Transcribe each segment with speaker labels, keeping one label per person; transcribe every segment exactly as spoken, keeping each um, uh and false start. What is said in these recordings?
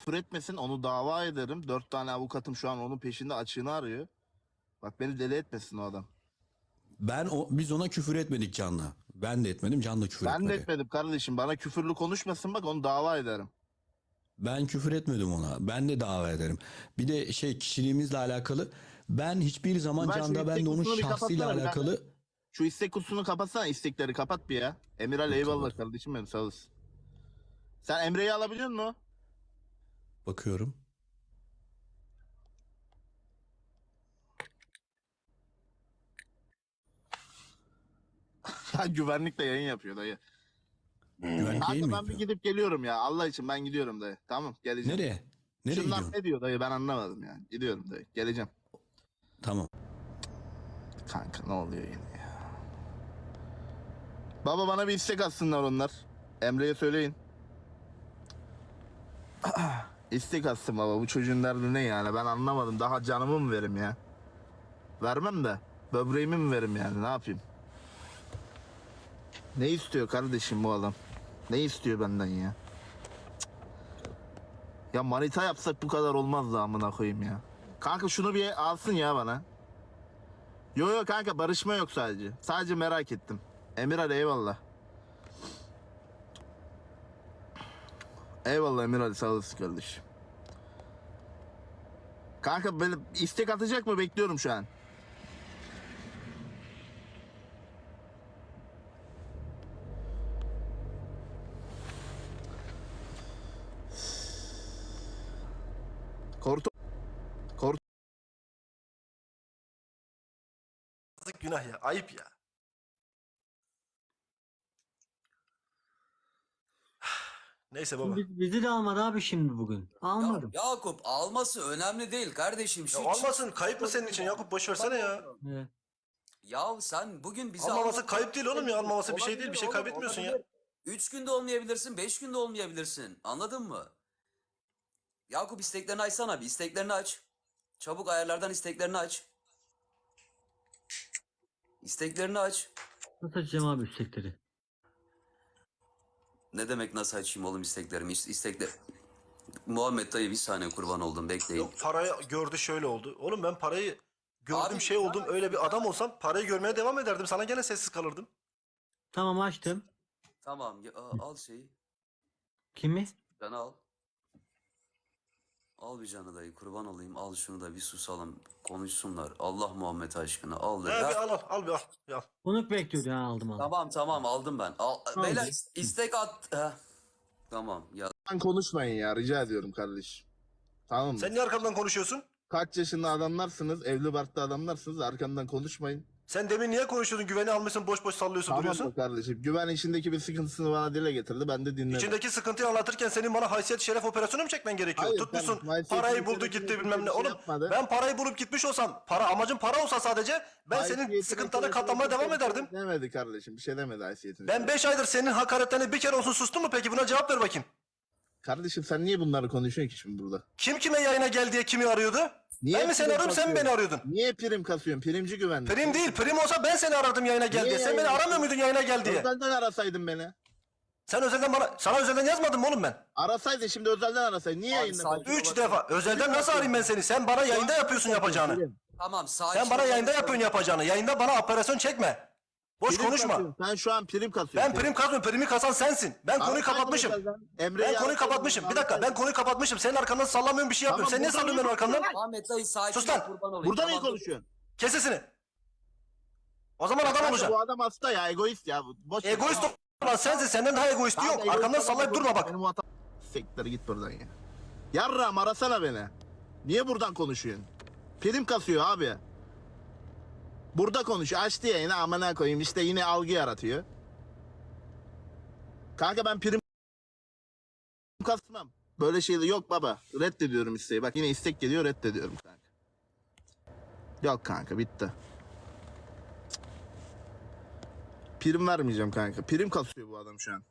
Speaker 1: küfür etmesin, onu dava ederim. Dört tane avukatım şu an onun peşinde, açığını arıyor. Bak beni deli etmesin o adam.
Speaker 2: Ben o, biz ona küfür etmedik Can'la. Ben de etmedim, Can da küfür
Speaker 1: Ben de
Speaker 2: etmedi.
Speaker 1: etmedim kardeşim. Bana küfürlü konuşmasın, bak onu dava ederim.
Speaker 2: Ben küfür etmedim ona. Ben de dava ederim. Bir de şey, kişiliğimizle alakalı. Ben hiçbir zaman
Speaker 1: Ben şu
Speaker 2: Can'da, ben
Speaker 1: istek
Speaker 2: de onun
Speaker 1: kutusunu bir
Speaker 2: şahsıyla
Speaker 1: kapatsana bir
Speaker 2: alakalı.
Speaker 1: Şu istek kutusunu kapatsana, istekleri kapat bir ya. Emiral
Speaker 2: Yok,
Speaker 1: eyvallah
Speaker 2: kapat.
Speaker 1: kardeşim benim, sağ olasın. Sen Emre'yi alabiliyor musun?
Speaker 2: Bakıyorum.
Speaker 1: Ya güvenlikle yayın yapıyor dayı.
Speaker 2: Güvenlik yayın
Speaker 1: Kanka
Speaker 2: mı
Speaker 1: ben bir
Speaker 2: yapıyor?
Speaker 1: gidip geliyorum ya. Allah için ben gidiyorum dayı. Tamam, geleceğim.
Speaker 2: Nereye? Nereye
Speaker 1: Şunlar
Speaker 2: gidiyorsun?
Speaker 1: ne diyor dayı, ben anlamadım yani. Gidiyorum dayı, geleceğim.
Speaker 2: Tamam.
Speaker 1: Kanka ne oluyor yine ya? Baba bana bir istek atsınlar onlar. Emre'ye söyleyin. İstek atsın baba, bu çocuğun derdi ne yani, ben anlamadım. Daha canımı mı verim ya? Vermem de böbreğimi mi verim yani, ne yapayım? Ne istiyor kardeşim bu adam? Ne istiyor benden ya? Cık. Ya manita yapsak bu kadar olmaz da amına koyayım ya. Kanka şunu bir alsın ya bana. Yo yo kanka, barışma yok sadece. Sadece merak ettim. Emirhan eyvallah. Eyvallah Emirhan, sağ olasın kardeşim. Kanka böyle istek atacak mı, bekliyorum şu an. Korto Korto
Speaker 3: Günah ya, ayıp ya. Neyse baba.
Speaker 4: Biz, bizi de almadı abi şimdi bugün. Almadım.
Speaker 5: Ya, Yakup alması önemli değil kardeşim.
Speaker 3: Ya
Speaker 5: Şu
Speaker 3: almasın, kayıp mı senin için Yakup, boş versene ya.
Speaker 4: Evet.
Speaker 5: Ya sen bugün bizi
Speaker 3: Almaması
Speaker 5: almadın.
Speaker 3: kayıp değil oğlum ya, almaması bir şey değil, bir şey
Speaker 5: Olabilir oğlum,
Speaker 3: kaybetmiyorsun ya.
Speaker 5: olabilir. Üç günde olmayabilirsin, beş günde olmayabilirsin. Anladın mı? Yakup isteklerini açsana bir, isteklerini aç. Çabuk ayarlardan isteklerini aç. İsteklerini aç.
Speaker 4: Nasıl açacağım abi istekleri?
Speaker 5: Ne demek nasıl açayım oğlum isteklerimi? İst- İstekler... Muhammed dayı bir saniye kurban oldum, bekleyin.
Speaker 3: Yok, parayı gördü şöyle oldu. Oğlum ben parayı gördüm,
Speaker 5: Abi,
Speaker 3: şey oldum,
Speaker 5: sen-
Speaker 3: öyle bir adam olsam parayı görmeye devam ederdim. Sana gene sessiz kalırdım.
Speaker 4: Tamam açtım.
Speaker 5: Tamam ya, a- al şeyi.
Speaker 4: Kimi?
Speaker 5: Canı al. Al bir canı dayı, kurban olayım, al şunu da bir susalım, konuşsunlar. Allah Muhammed aşkına al
Speaker 3: He
Speaker 5: da.
Speaker 3: bir
Speaker 5: Ya-
Speaker 3: al al, al bir al. Bir al.
Speaker 4: Konuk bekliyordu ha, aldım aldım.
Speaker 5: Tamam tamam aldım ben. Al,
Speaker 4: Tamam.
Speaker 5: beyler is- istek at. Heh. Tamam ya.
Speaker 1: Ben konuşmayın ya, rica ediyorum kardeşim. Tamam mı?
Speaker 3: Sen niye arkamdan konuşuyorsun?
Speaker 1: Kaç yaşında adamlarsınız, evli barklı adamlarsınız, arkamdan konuşmayın.
Speaker 3: Sen demin niye konuşuyordun? Güveni almışsın, boş boş sallıyorsun,
Speaker 1: Tamam
Speaker 3: duruyorsun.
Speaker 1: mı kardeşim? Güven içindeki bir sıkıntısını bana dile getirdi, ben de dinledim.
Speaker 3: İçindeki sıkıntıyı anlatırken senin bana haysiyet şeref operasyonu mu çekmen gerekiyor?
Speaker 1: Hayır
Speaker 3: Tutmuşsun,
Speaker 1: kardeşim, haysiyetini
Speaker 3: parayı buldu
Speaker 1: şerefini
Speaker 3: gitti
Speaker 1: kimse
Speaker 3: bilmem ne.
Speaker 1: bir şey
Speaker 3: Oğlum
Speaker 1: yapmadı.
Speaker 3: ben parayı bulup gitmiş olsam, para amacım para olsa sadece ben senin
Speaker 1: Haysiyetine,
Speaker 3: sıkıntılarına
Speaker 1: şerefine
Speaker 3: katlanmaya
Speaker 1: kimse
Speaker 3: devam
Speaker 1: bir şey
Speaker 3: ederdim.
Speaker 1: Demedi kardeşim, bir şey demedi haysiyetine.
Speaker 3: Ben beş aydır senin hakaretlerine bir kere olsun sustum mu peki? Buna cevap ver bakayım.
Speaker 1: Kardeşim sen niye bunları konuşuyorsun ki şimdi burada?
Speaker 3: Kim kime yayına gel diye kimi arıyordu?
Speaker 1: Niye
Speaker 3: ben mi seni
Speaker 1: prim
Speaker 3: arıyorum, sen mi
Speaker 1: kasıyorsun?
Speaker 3: beni arıyordun?
Speaker 1: Niye prim kasıyorsun? Primci güvenlik.
Speaker 3: Prim değil, prim olsa ben seni aradım yayına gel
Speaker 1: Niye
Speaker 3: diye. Sen beni
Speaker 1: yayına
Speaker 3: aramıyor muydun yayına gel diye?
Speaker 1: Özelden arasaydın beni.
Speaker 3: Sen özelden bana, sana özelden yazmadım mı oğlum ben?
Speaker 1: Arasaydın şimdi, özelden arasaydın. Niye
Speaker 5: Abi
Speaker 1: yayında?
Speaker 5: sakin
Speaker 1: konuşuyorsun?
Speaker 3: Üç defa. Özelden nasıl arayayım ben seni? Sen bana yayında yapıyorsun yapacağını.
Speaker 1: Prim.
Speaker 5: Tamam sakin.
Speaker 3: Sen bana
Speaker 5: ol.
Speaker 3: yayında yapıyorsun yapacağını. Yayında bana operasyon çekme. Boş
Speaker 1: Prim
Speaker 3: konuşma.
Speaker 1: kasıyorsun. Sen şu an prim kasıyorsun.
Speaker 3: Ben prim kazmıyorum. Primi kasan sensin. Ben konuyu
Speaker 1: Arasaydın
Speaker 3: kapatmışım.
Speaker 1: özelden. Emre'yi
Speaker 3: Ben konuyu
Speaker 1: arasaydın,
Speaker 3: kapatmışım. Bir dakika, ben
Speaker 1: arasaydın.
Speaker 3: konuyu kapatmışım. Senin arkandan sallamıyorum, bir şey yapmıyorum.
Speaker 1: Tamam,
Speaker 3: Sen niye
Speaker 1: burada
Speaker 3: sallıyorsun benim
Speaker 1: niye
Speaker 3: arkamdan?
Speaker 5: Muhammed dayı sakin
Speaker 3: Sus
Speaker 5: ol,
Speaker 3: lan.
Speaker 5: kurban olayım.
Speaker 1: Burada niye
Speaker 5: Tamam, dur.
Speaker 1: konuşuyorsun?
Speaker 3: Kes sesini. O zaman adam
Speaker 1: Kanka
Speaker 3: olacaksın.
Speaker 1: bu adam hasta ya, egoist ya. Boş ver.
Speaker 3: Egoist olan sensin. Senden daha egoisti
Speaker 1: Kanka,
Speaker 3: yok.
Speaker 1: egoist
Speaker 3: Arkamdan
Speaker 1: olma,
Speaker 3: sallayıp
Speaker 1: boş
Speaker 3: durma
Speaker 1: ver.
Speaker 3: bak.
Speaker 1: Benim bu hatam- Siktir git buradan ya. Yarram arasana beni. Niye buradan konuşuyorsun? Prim kasıyor abi. Burada konuşuyor. Açtı yayını, amına koyayım, işte yine algı yaratıyor. Kanka ben prim kasmam. Böyle şeyler yok baba. Reddediyorum isteği. Bak yine istek geliyor, reddediyorum kanka. Yok kanka, bitti. Prim vermeyeceğim kanka. Prim kasıyor bu adam şu an.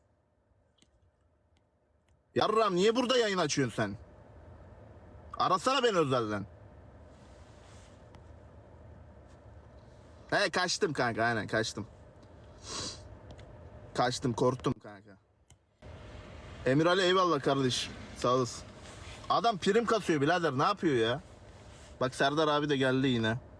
Speaker 1: Yarram niye burada yayın açıyorsun sen? Arasana beni özelden. He kaçtım kanka, aynen kaçtım. Kaçtım, korktum kanka. Emir Ali eyvallah kardeşim. Sağ olasın. Adam prim kasıyor birader, ne yapıyor ya? Bak Serdar abi de geldi yine.